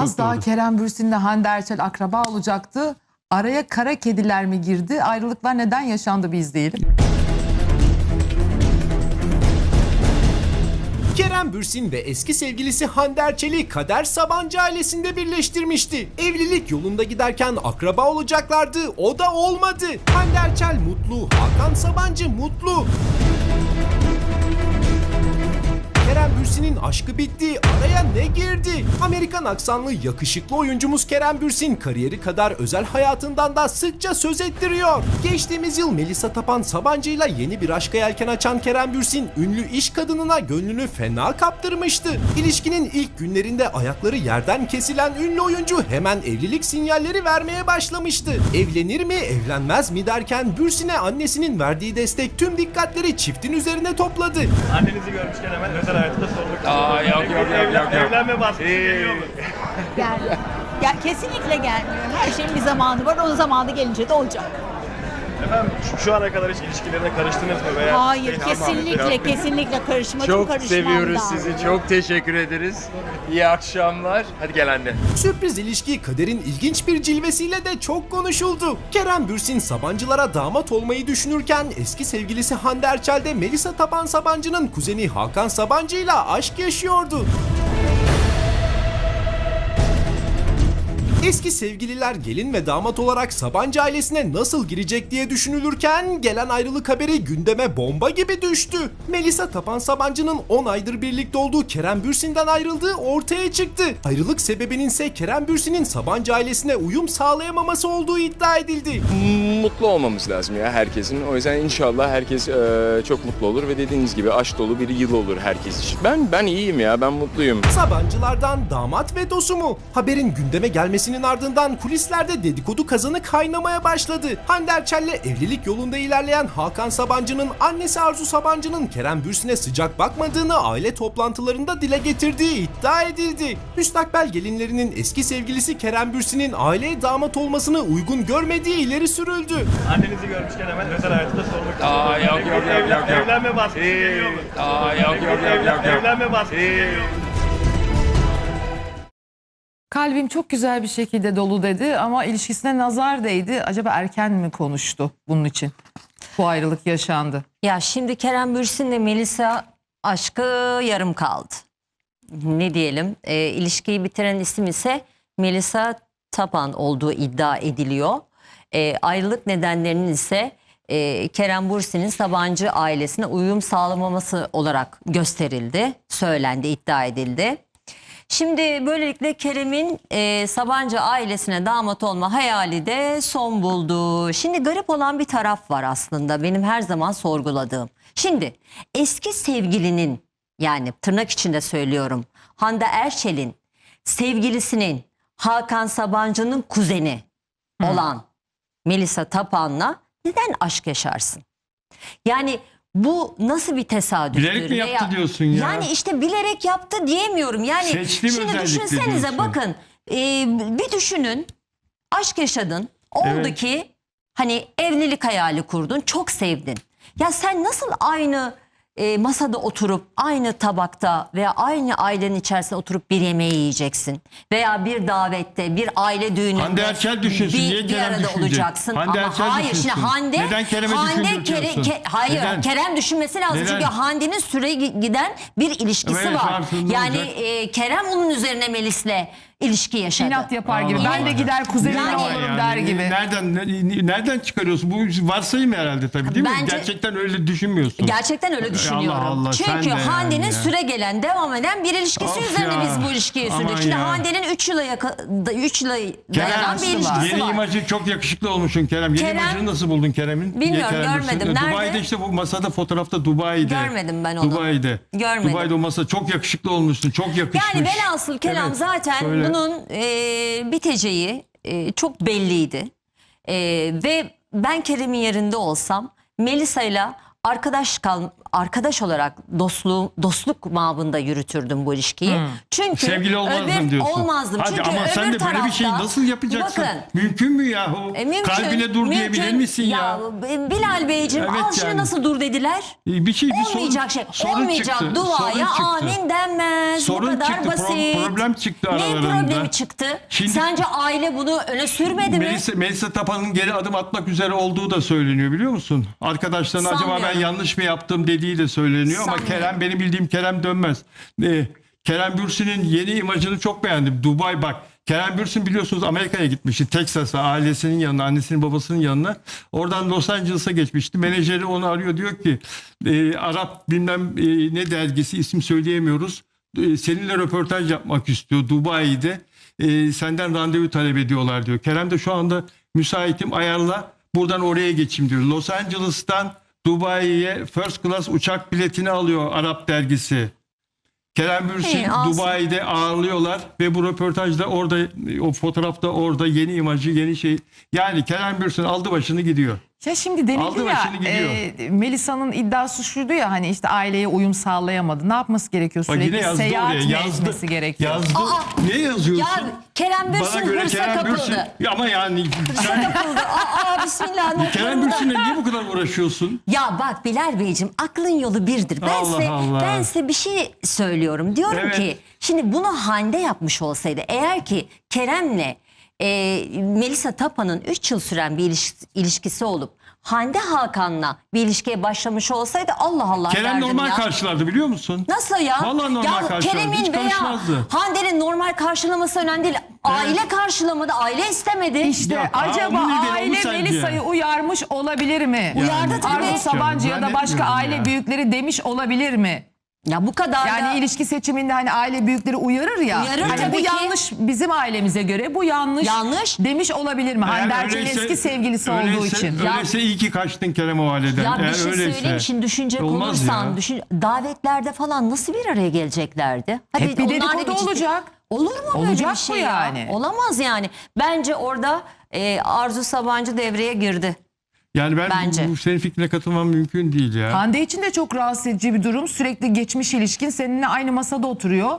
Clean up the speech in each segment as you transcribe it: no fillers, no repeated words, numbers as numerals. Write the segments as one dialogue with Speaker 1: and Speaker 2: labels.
Speaker 1: Az daha
Speaker 2: doğru.
Speaker 1: Kerem Bürsin'le Hande Erçel akraba olacaktı. Araya kara kediler mi girdi? Ayrılıklar neden yaşandı bir izleyelim.
Speaker 3: Kerem Bürsin ve eski sevgilisi Hande Erçel'i Kader Sabancı ailesinde birleştirmişti. Evlilik yolunda giderken akraba olacaklardı, o da olmadı. Hande Erçel mutlu, Hakan Sabancı mutlu. Kerem Bürsin'in aşkı bitti, araya ne girdi? Amerikan aksanlı yakışıklı oyuncumuz Kerem Bürsin kariyeri kadar özel hayatından da sıkça söz ettiriyor. Geçtiğimiz yıl Melisa Tapan Sabancı'yla yeni bir aşka yelken açan Kerem Bürsin, ünlü iş kadınına gönlünü fena kaptırmıştı. İlişkinin ilk günlerinde ayakları yerden kesilen ünlü oyuncu hemen evlilik sinyalleri vermeye başlamıştı. Evlenir mi, evlenmez mi derken Bürsin'e annesinin verdiği destek tüm dikkatleri çiftin üzerine topladı.
Speaker 4: Annenizi görmüşken hemen özel hayatında sormak istiyorum.
Speaker 5: Yok.
Speaker 4: Evlenme baskısı geliyor mu?
Speaker 6: Gelmiyor. Kesinlikle gelmiyor. Her şeyin bir zamanı var. Onun zamanı gelince de olacak.
Speaker 4: Efendim şu ana kadar hiç ilişkilerine karıştınız mı? Veya
Speaker 6: Hayır, kesinlikle karışmadım,
Speaker 5: Çok
Speaker 6: karışmam
Speaker 5: seviyoruz
Speaker 6: da.
Speaker 5: sizi. Çok teşekkür ederiz. İyi akşamlar. Hadi gel anne.
Speaker 3: Sürpriz ilişki Kader'in ilginç bir cilvesiyle de çok konuşuldu. Kerem Bürsin Sabancılara damat olmayı düşünürken eski sevgilisi Hande Erçel de Melisa Tapan Sabancı'nın kuzeni Hakan Sabancı'yla aşk yaşıyordu. Eski sevgililer gelin ve damat olarak Sabancı ailesine nasıl girecek diye düşünülürken gelen ayrılık haberi gündeme bomba gibi düştü. Melisa Tapan Sabancı'nın 10 aydır birlikte olduğu Kerem Bürsin'den ayrıldığı ortaya çıktı. Ayrılık sebebinin ise Kerem Bürsin'in Sabancı ailesine uyum sağlayamaması olduğu iddia edildi.
Speaker 5: Mutlu olmamız lazım ya herkesin. O yüzden inşallah herkes çok mutlu olur ve dediğiniz gibi aşk dolu bir yıl olur herkes için. Ben iyiyim ya, ben mutluyum.
Speaker 3: Sabancılardan damat vetosu mu? Haberin gündeme gelmesinin ardından kulislerde dedikodu kazanı kaynamaya başladı. Hande Erçel'le evlilik yolunda ilerleyen Hakan Sabancı'nın annesi Arzu Sabancı'nın Kerem Bürsin'e sıcak bakmadığını aile toplantılarında dile getirdiği iddia edildi. Müstakbel gelinlerinin eski sevgilisi Kerem Bürsin'in aileye damat olmasını uygun görmediği ileri sürüldü.
Speaker 4: Annenizi görmüşken hemen özel hayatında sormak istiyorum.
Speaker 5: Yok.
Speaker 4: Evlenme baskısı geliyor mu?
Speaker 5: Yok.
Speaker 4: Evlenme baskısı geliyor mu?
Speaker 1: Kalbim çok güzel bir şekilde dolu dedi ama ilişkisine nazar değdi. Acaba erken mi konuştu bunun için? Bu ayrılık yaşandı.
Speaker 7: Ya şimdi Kerem Bürsin'le Melisa aşkı yarım kaldı. Ne diyelim? İlişkiyi bitiren isim ise Melisa Tapan olduğu iddia ediliyor. Ayrılık nedenlerinin ise Kerem Bürsin'in Sabancı ailesine uyum sağlamaması olarak gösterildi, söylendi, iddia edildi. Şimdi böylelikle Kerem'in Sabancı ailesine damat olma hayali de son buldu. Şimdi garip olan bir taraf var aslında benim her zaman sorguladığım. Şimdi eski sevgilinin, yani tırnak içinde söylüyorum, Hande Erçel'in sevgilisinin Hakan Sabancı'nın kuzeni olan Melisa Tapan'la neden aşk yaşarsın? Yani bu nasıl bir tesadüftür?
Speaker 2: Bilerek mi yaptı diyorsun ya?
Speaker 7: Yani işte bilerek yaptı diyemiyorum. Yani
Speaker 2: Seçtim
Speaker 7: şimdi
Speaker 2: özellikle
Speaker 7: düşünsenize
Speaker 2: diyorsun.
Speaker 7: bakın bir düşünün, aşk yaşadın, oldu
Speaker 2: Evet.
Speaker 7: ki hani evlilik hayali kurdun, çok sevdin. Ya sen nasıl aynı masada oturup aynı tabakta veya aynı ailenin içerisinde oturup bir yemeği yiyeceksin veya bir davette, bir aile düğününde
Speaker 2: Hande Erçel düşünsün, niye
Speaker 7: bir
Speaker 2: Kerem
Speaker 7: arada
Speaker 2: düşünecek?
Speaker 7: olacaksın.
Speaker 2: Hande
Speaker 7: Ama
Speaker 2: Erçel
Speaker 7: hayır,
Speaker 2: düşünsün.
Speaker 7: şimdi Hande
Speaker 2: Neden Kerem'e düşündürtüyorsun?
Speaker 7: Hayır,
Speaker 2: Neden?
Speaker 7: Kerem düşünmesi lazım
Speaker 2: Neden?
Speaker 7: çünkü Hande'nin süre giden bir ilişkisi
Speaker 2: Evet,
Speaker 7: var.
Speaker 2: farkında
Speaker 7: Yani
Speaker 2: olacak.
Speaker 7: Kerem onun üzerine Melis'le ilişki yaşadı.
Speaker 1: İnat yapar gibi.
Speaker 2: Allah
Speaker 1: Ben de
Speaker 2: Allah.
Speaker 1: gider kuzenine
Speaker 7: Yani-
Speaker 1: olurum der gibi.
Speaker 2: Nereden çıkarıyorsun? Bu varsayım herhalde tabii, değil mi?
Speaker 7: Bence-
Speaker 2: Gerçekten öyle düşünmüyorsun.
Speaker 7: Gerçekten öyle düşünüyorum.
Speaker 2: Allah, sen
Speaker 7: Çünkü
Speaker 2: de yani
Speaker 7: Hande'nin
Speaker 2: ya.
Speaker 7: süre gelen, devam eden bir ilişkisi
Speaker 2: Of
Speaker 7: üzerine
Speaker 2: ya.
Speaker 7: biz bu ilişkiyi
Speaker 2: Aman
Speaker 7: sürdük. Şimdi
Speaker 2: ya.
Speaker 7: Hande'nin 3 yıla dayanan bir ilişkisi
Speaker 2: Yeni
Speaker 7: var.
Speaker 2: imajı çok yakışıklı olmuşsun Kerem. Yeni
Speaker 7: Kerem-
Speaker 2: imajını nasıl buldun Kerem'in?
Speaker 7: Bilmiyorum,
Speaker 2: Kerem
Speaker 7: görmedim.
Speaker 2: Bürsin.
Speaker 7: Nerede?
Speaker 2: Dubai'de işte bu masada, fotoğrafta Dubai'de.
Speaker 7: Görmedim ben onu.
Speaker 2: Dubai'de.
Speaker 7: Görmedim.
Speaker 2: Dubai'de o masa çok yakışıklı olmuşsun. Çok yakışmış.
Speaker 7: Yani velhasıl kelam
Speaker 2: Evet,
Speaker 7: zaten
Speaker 2: söyle.
Speaker 7: bunun biteceği çok belliydi. Ve ben Kerem'in yerinde olsam Melisa'yla arkadaş olarak dostluk mabında yürütürdüm bu ilişkiyi. Çünkü
Speaker 2: Sevgili olmazdım diyorsun.
Speaker 7: olmazdım.
Speaker 2: Hadi
Speaker 7: Çünkü
Speaker 2: ama sen
Speaker 7: öbür
Speaker 2: de böyle bir şeyi
Speaker 7: tarafta-
Speaker 2: nasıl yapacaksın?
Speaker 7: Bakın,
Speaker 2: Mümkün mü yahu?
Speaker 7: mümkün,
Speaker 2: Kalbine dur diyebilir
Speaker 7: mümkün.
Speaker 2: misin ya?
Speaker 7: Bilal Beyciğim,
Speaker 2: Evet
Speaker 7: al şunu
Speaker 2: yani.
Speaker 7: nasıl dur dediler?
Speaker 2: Bir
Speaker 7: Olmayacak şey.
Speaker 2: sorun
Speaker 7: Olmayacak
Speaker 2: çıktı,
Speaker 7: duaya
Speaker 2: sorun çıktı.
Speaker 7: amin denmez.
Speaker 2: Sorun
Speaker 7: Bu kadar
Speaker 2: çıktı,
Speaker 7: basit.
Speaker 2: problem çıktı
Speaker 7: Ne
Speaker 2: aralarında.
Speaker 7: problemi çıktı?
Speaker 2: Şimdi-
Speaker 7: Sence aile bunu öne sürmedi mi?
Speaker 2: Melisa Tapan'ın geri adım atmak üzere olduğu da söyleniyor biliyor musun? Arkadaşlarına acaba ben
Speaker 7: Sanmıyorum.
Speaker 2: yanlış mı yaptım dediği de söyleniyor ama
Speaker 7: Sanmıyorum.
Speaker 2: Kerem, benim bildiğim Kerem dönmez. Kerem Bürsin'in yeni imajını çok beğendim. Dubai bak. Kerem Bürsin biliyorsunuz Amerika'ya gitmişti. Texas'a, ailesinin yanına, annesinin babasının yanına. Oradan Los Angeles'a geçmişti. Menajeri onu arıyor, diyor ki Arap bilmem ne dergisi, isim söyleyemiyoruz. Seninle röportaj yapmak istiyor Dubai'de. Senden randevu talep ediyorlar diyor. Kerem de şu anda müsaitim, ayarla, buradan oraya geçeyim diyor. Los Angeles'tan Dubai'ye first class uçak biletini alıyor Arap dergisi. Kerem Bürsin
Speaker 7: İyi, alsın.
Speaker 2: Dubai'de ağırlıyorlar ve bu röportajda orada, o fotoğrafta orada yeni imajı, yeni şey. Yani Kerem Bürsin aldı başını gidiyor.
Speaker 1: Ya şimdi denildi
Speaker 2: Aldı
Speaker 1: ya
Speaker 2: başını gidiyor.
Speaker 1: Melisa'nın iddiası şuydu ya, hani işte aileye uyum sağlayamadı. Ne yapması gerekiyor?
Speaker 2: Bak yine
Speaker 1: Sürekli
Speaker 2: yazdı
Speaker 1: seyahat
Speaker 2: oraya.
Speaker 1: mi
Speaker 2: Yazdı.
Speaker 1: etmesi gerekiyor?
Speaker 2: Yazdı. Ne yazıyorsun?
Speaker 7: Ya Kerem Bürsin hırsa kapıldı.
Speaker 2: Ya ama yani sen
Speaker 7: Kapıldı. Bismillah.
Speaker 2: Kerem Bürsin'le niye bu kadar uğraşıyorsun?
Speaker 7: Ya bak Bilal Beyciğim, aklın yolu birdir.
Speaker 2: Allah Allah.
Speaker 7: Ben size bir şey söylüyorum. Diyorum
Speaker 2: Evet.
Speaker 7: ki şimdi bunu Hande yapmış olsaydı, eğer ki Kerem'le Melisa Tapan'ın 3 yıl süren bir ilişkisi olup Hande Hakan'la bir ilişkiye başlamış olsaydı Allah Allah
Speaker 2: Kerem
Speaker 7: derdim
Speaker 2: normal
Speaker 7: ya.
Speaker 2: karşılardı biliyor musun?
Speaker 7: Nasıl ya?
Speaker 2: Vallahi normal
Speaker 7: Ya
Speaker 2: karşılardı.
Speaker 7: Kerem'in
Speaker 2: Hiç
Speaker 7: veya
Speaker 2: karışmazdı.
Speaker 7: Hande'nin normal karşılaması önemli değil. Aile karşılamadı, aile istemedi.
Speaker 1: İşte
Speaker 2: Yok,
Speaker 1: acaba
Speaker 2: onun nedeni
Speaker 1: aile
Speaker 2: o sence?
Speaker 1: Melisa'yı uyarmış olabilir mi?
Speaker 7: Uyardı tabii.
Speaker 1: Arzu Sabancı ya da başka
Speaker 2: Zannetmiyorum
Speaker 1: aile
Speaker 2: ya.
Speaker 1: büyükleri demiş olabilir mi?
Speaker 7: Ya bu kadar da...
Speaker 1: Yani ilişki seçiminde hani aile büyükleri uyarır ya.
Speaker 7: Uyarır
Speaker 1: hani
Speaker 7: tabii
Speaker 1: bu
Speaker 7: ki.
Speaker 1: yanlış, bizim ailemize göre bu yanlış,
Speaker 7: Yanlış.
Speaker 1: demiş olabilir mi?
Speaker 2: Eğer
Speaker 1: Hande Erçel'in
Speaker 2: öyleyse-
Speaker 1: eski sevgilisi olduğu için.
Speaker 2: Öyleyse iyi ki kaçtın Kerem o aileden.
Speaker 7: Ya bir
Speaker 2: Eğer
Speaker 7: şey
Speaker 2: öyleyse.
Speaker 7: söyleyeyim, şimdi düşünecek
Speaker 2: Olmaz
Speaker 7: olursan
Speaker 2: ya.
Speaker 7: davetlerde falan nasıl bir araya geleceklerdi?
Speaker 1: Hep bir
Speaker 7: onlar da
Speaker 1: dedikodu
Speaker 7: ciddi-
Speaker 1: olacak.
Speaker 7: Olur mu böyle
Speaker 1: Olacak
Speaker 7: bir şey
Speaker 1: bu
Speaker 7: ya?
Speaker 1: yani.
Speaker 7: Olamaz yani. Bence orada Arzu Sabancı devreye girdi.
Speaker 2: Yani
Speaker 7: Bence.
Speaker 2: bu senin fikrine katılmam mümkün değil ya.
Speaker 1: Hande için de çok rahatsız edici bir durum. Sürekli geçmiş ilişkin, seninle aynı masada oturuyor.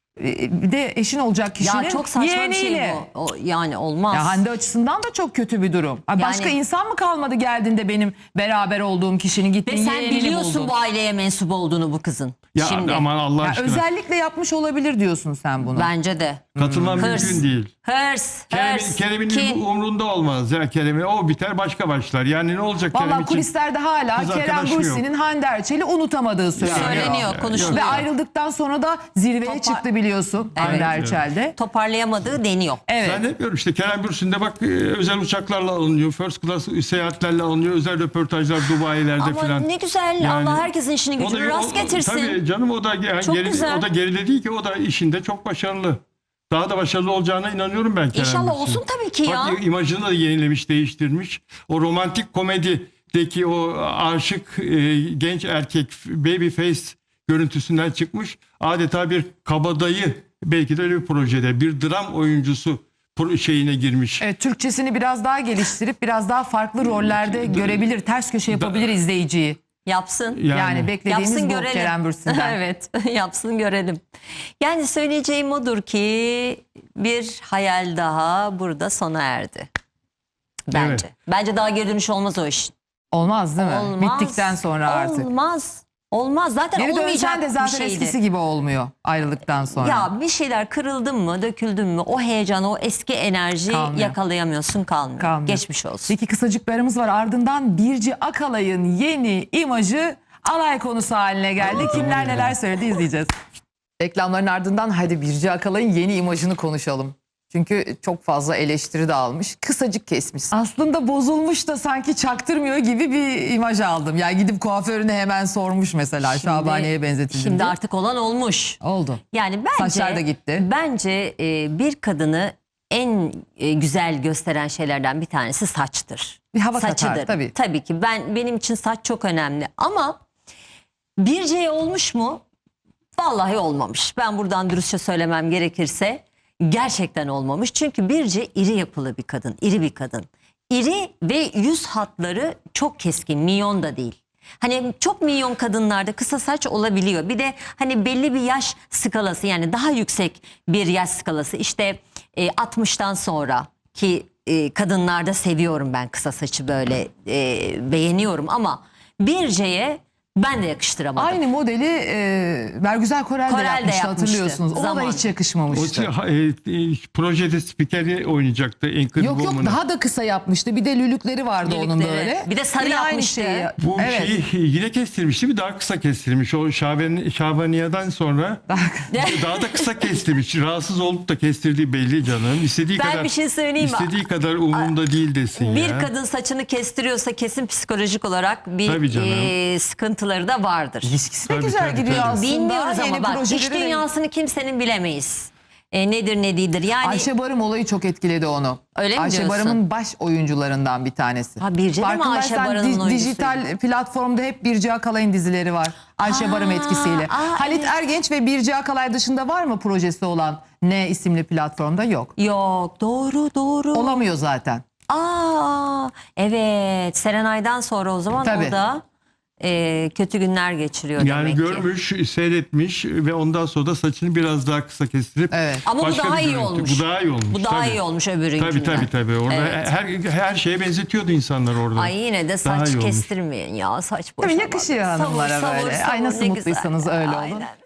Speaker 1: Bir de eşin olacak kişinin
Speaker 7: Ya çok saçma bir şey
Speaker 1: yeğeniyle.
Speaker 7: bu. Yani olmaz.
Speaker 1: Ya Hande açısından da çok kötü bir durum. Ha, başka
Speaker 7: Yani-
Speaker 1: insan mı kalmadı geldiğinde benim beraber olduğum kişinin gittin
Speaker 7: Ve sen
Speaker 1: yeğenini
Speaker 7: biliyorsun
Speaker 1: buldun.
Speaker 7: bu aileye mensup olduğunu bu kızın.
Speaker 2: Ya
Speaker 7: Şimdi
Speaker 2: aman Allah
Speaker 1: Ya
Speaker 2: aşkına.
Speaker 1: özellikle yapmış olabilir diyorsun sen bunu.
Speaker 7: bence de.
Speaker 2: Katılmam
Speaker 7: Hırs.
Speaker 2: mümkün değil.
Speaker 7: Hırs.
Speaker 2: Kerem'in
Speaker 7: kin.
Speaker 2: umrunda olmaz. Ya Kerem'in o biter, başka başlar. Yani ne olacak Kerem
Speaker 1: Valla
Speaker 2: için?
Speaker 1: kulislerde hala
Speaker 2: Kız
Speaker 1: Kerem
Speaker 2: arkadaşı yok.
Speaker 1: Bürsin'in Hande Erçel'i unutamadığı söyleniyor.
Speaker 7: Söyleniyor, konuşuluyor.
Speaker 1: Ve ayrıldıktan sonra da zirveye çıktı biliyorsun Hande Erçel'de.
Speaker 7: Toparlayamadığı deniyor.
Speaker 1: Evet.
Speaker 2: Zannetmiyorum işte Kerem Bürsin de bak özel uçaklarla alınıyor. First class seyahatlerle alınıyor. Özel röportajlar Dubai'lerde
Speaker 7: Ama
Speaker 2: falan.
Speaker 7: ne güzel,
Speaker 2: Yani
Speaker 7: Allah herkesin işini gücünü rast getirsin.
Speaker 2: Tabii canım, o da
Speaker 7: Çok güzel.
Speaker 2: o da geride değil ki, o da işinde çok başarılı. Daha da başarılı olacağına inanıyorum ben Kerem
Speaker 7: İnşallah
Speaker 2: Bürsin.
Speaker 7: olsun tabii ki ya.
Speaker 2: Bak imajını da yenilemiş, değiştirmiş. O romantik komedideki o aşık genç erkek baby face görüntüsünden çıkmış. Adeta bir kabadayı, belki de öyle bir projede bir dram oyuncusu şeyine girmiş.
Speaker 1: Evet, Türkçesini biraz daha geliştirip biraz daha farklı rollerde görebilir, ters köşe yapabilir izleyiciyi.
Speaker 7: Yapsın.
Speaker 1: Yani beklediğimiz
Speaker 7: Yapsın
Speaker 1: bu
Speaker 7: görelim.
Speaker 1: Kerem Bürsin'den.
Speaker 7: Evet, yapsın görelim. Yani söyleyeceğim odur ki bir hayal daha burada sona erdi. Bence.
Speaker 2: Evet.
Speaker 7: Bence daha geri dönüş olmaz o iş.
Speaker 1: Olmaz değil mi?
Speaker 7: Olmaz.
Speaker 1: Bittikten sonra artık.
Speaker 7: Olmaz. Olmaz. Zaten
Speaker 1: Geri
Speaker 7: olmayacak
Speaker 1: dönsen de
Speaker 7: bir
Speaker 1: zaten
Speaker 7: şeydi.
Speaker 1: eskisi gibi olmuyor ayrılıktan sonra.
Speaker 7: Ya bir şeyler kırıldın mı, döküldün mü, o heyecan, o eski enerji
Speaker 1: Kalmıyor.
Speaker 7: yakalayamıyorsun, kalmıyor.
Speaker 1: Kalmıyor.
Speaker 7: Geçmiş olsun.
Speaker 1: Peki kısacık bir aramız var. Ardından Birci Akalay'ın yeni imajı alay konusu haline geldi. Kimler neler söyledi izleyeceğiz. Reklamların ardından hadi Birci Akalay'ın yeni imajını konuşalım. Çünkü çok fazla eleştiri de almış. Kısacık kesmiş. Aslında bozulmuş da sanki çaktırmıyor gibi bir imaj aldım. Yani gidip kuaförüne hemen sormuş mesela. Şabane'ye benzetildi.
Speaker 7: Şimdi artık olan olmuş.
Speaker 1: oldu.
Speaker 7: Yani bence
Speaker 1: Saçlar da gitti.
Speaker 7: Bence bir kadını en güzel gösteren şeylerden bir tanesi saçtır.
Speaker 1: Bir hava
Speaker 7: Saçıdır.
Speaker 1: katar tabii.
Speaker 7: Tabii ki benim için saç çok önemli ama Birce'ye olmuş mu? Vallahi olmamış. Ben buradan dürüstçe söylemem gerekirse gerçekten olmamış. Çünkü Birce iri yapılı bir kadın, iri bir kadın. İri ve yüz hatları çok keskin, minyon da değil. Hani çok milyon kadınlarda kısa saç olabiliyor. Bir de hani belli bir yaş skalası, yani daha yüksek bir yaş skalası. İşte 60'tan sonra ki kadınlarda seviyorum ben kısa saçı, böyle beğeniyorum ama Birce'ye ben de yakıştıramadım.
Speaker 1: Aynı modeli Bergüzar Korel de
Speaker 7: Korel de
Speaker 1: yapmıştı,
Speaker 7: yapmıştı
Speaker 1: hatırlıyorsunuz. Ona da
Speaker 7: zamanında.
Speaker 1: hiç yakışmamıştı.
Speaker 2: Projede spikeri oynayacaktı. Anchor
Speaker 1: Yok
Speaker 2: Woman'ı.
Speaker 1: daha da kısa yapmıştı. Bir de lülükleri vardı onun
Speaker 7: Lülükleri.
Speaker 1: böyle.
Speaker 7: Bir de sarı
Speaker 1: Yine aynı
Speaker 7: yapmıştı.
Speaker 1: şeyi.
Speaker 2: Bu
Speaker 1: Evet.
Speaker 2: şeyi yine kestirmişti, bir daha kısa kestirmiş. O Şabaniye'den sonra daha da kısa kestirmiş. Rahatsız olup da kestirdiği belli canım. İstediği
Speaker 7: Ben
Speaker 2: kadar
Speaker 7: bir şey söyleyeyim mi?
Speaker 2: İstediği kadar umurumda değil desin
Speaker 7: Bir
Speaker 2: ya.
Speaker 7: kadın saçını kestiriyorsa kesin psikolojik olarak
Speaker 2: Tabii
Speaker 7: bir
Speaker 2: canım.
Speaker 7: sıkıntıları da vardır.
Speaker 1: İlişkisi de
Speaker 2: Tabii,
Speaker 1: güzel
Speaker 2: tabii,
Speaker 1: gidiyor
Speaker 2: tabii.
Speaker 1: aslında.
Speaker 7: Bilmiyoruz
Speaker 1: Yeni
Speaker 7: ama bak,
Speaker 1: projeleri
Speaker 7: iş
Speaker 1: de-
Speaker 7: dünyasını kimsenin bilemeyiz. Nedir ne değildir. Yani
Speaker 1: Ayşe Barım olayı çok etkiledi onu.
Speaker 7: Öyle mi
Speaker 1: Ayşe
Speaker 7: diyorsun?
Speaker 1: Barım'ın baş oyuncularından bir tanesi.
Speaker 7: Ha, Birce de mi Ayşe
Speaker 1: Farkındaysan
Speaker 7: Barım'ın oyuncusuydu?
Speaker 1: dijital platformda hep Birce Akalay'ın dizileri var. Ayşe Barım etkisiyle. Halit
Speaker 7: evet.
Speaker 1: Ergenç ve Birce Akalay dışında var mı projesi olan Ne isimli platformda? Yok.
Speaker 7: yok, doğru.
Speaker 1: Olamıyor zaten.
Speaker 7: Evet, Serenay'dan sonra o zaman
Speaker 1: Tabii.
Speaker 7: o da kötü günler geçiriyor
Speaker 2: Yani
Speaker 7: demek ki.
Speaker 2: görmüş, seyretmiş ve ondan sonra da saçını biraz daha kısa kestirip
Speaker 1: Evet.
Speaker 7: Ama bu
Speaker 2: başka
Speaker 7: daha
Speaker 2: bir
Speaker 7: iyi
Speaker 2: görüntü.
Speaker 7: olmuş.
Speaker 2: Bu daha iyi olmuş.
Speaker 7: Bu daha
Speaker 2: tabii.
Speaker 7: iyi olmuş öbürünkünden.
Speaker 2: Tabii. Orada
Speaker 7: Evet.
Speaker 2: her şeye benzetiyordu insanlar orada.
Speaker 7: Ay yine de
Speaker 2: Daha
Speaker 7: saç
Speaker 2: iyi olmuş.
Speaker 7: kestirmeyin ya, saç boşa
Speaker 1: Tabii
Speaker 7: bak.
Speaker 1: yakışıyor
Speaker 7: Savur,
Speaker 1: hanımlara
Speaker 7: savur,
Speaker 1: böyle.
Speaker 7: savur,
Speaker 1: Ay nasıl
Speaker 7: ne
Speaker 1: mutluysanız
Speaker 7: güzel.
Speaker 1: öyle olun.
Speaker 7: Aynen.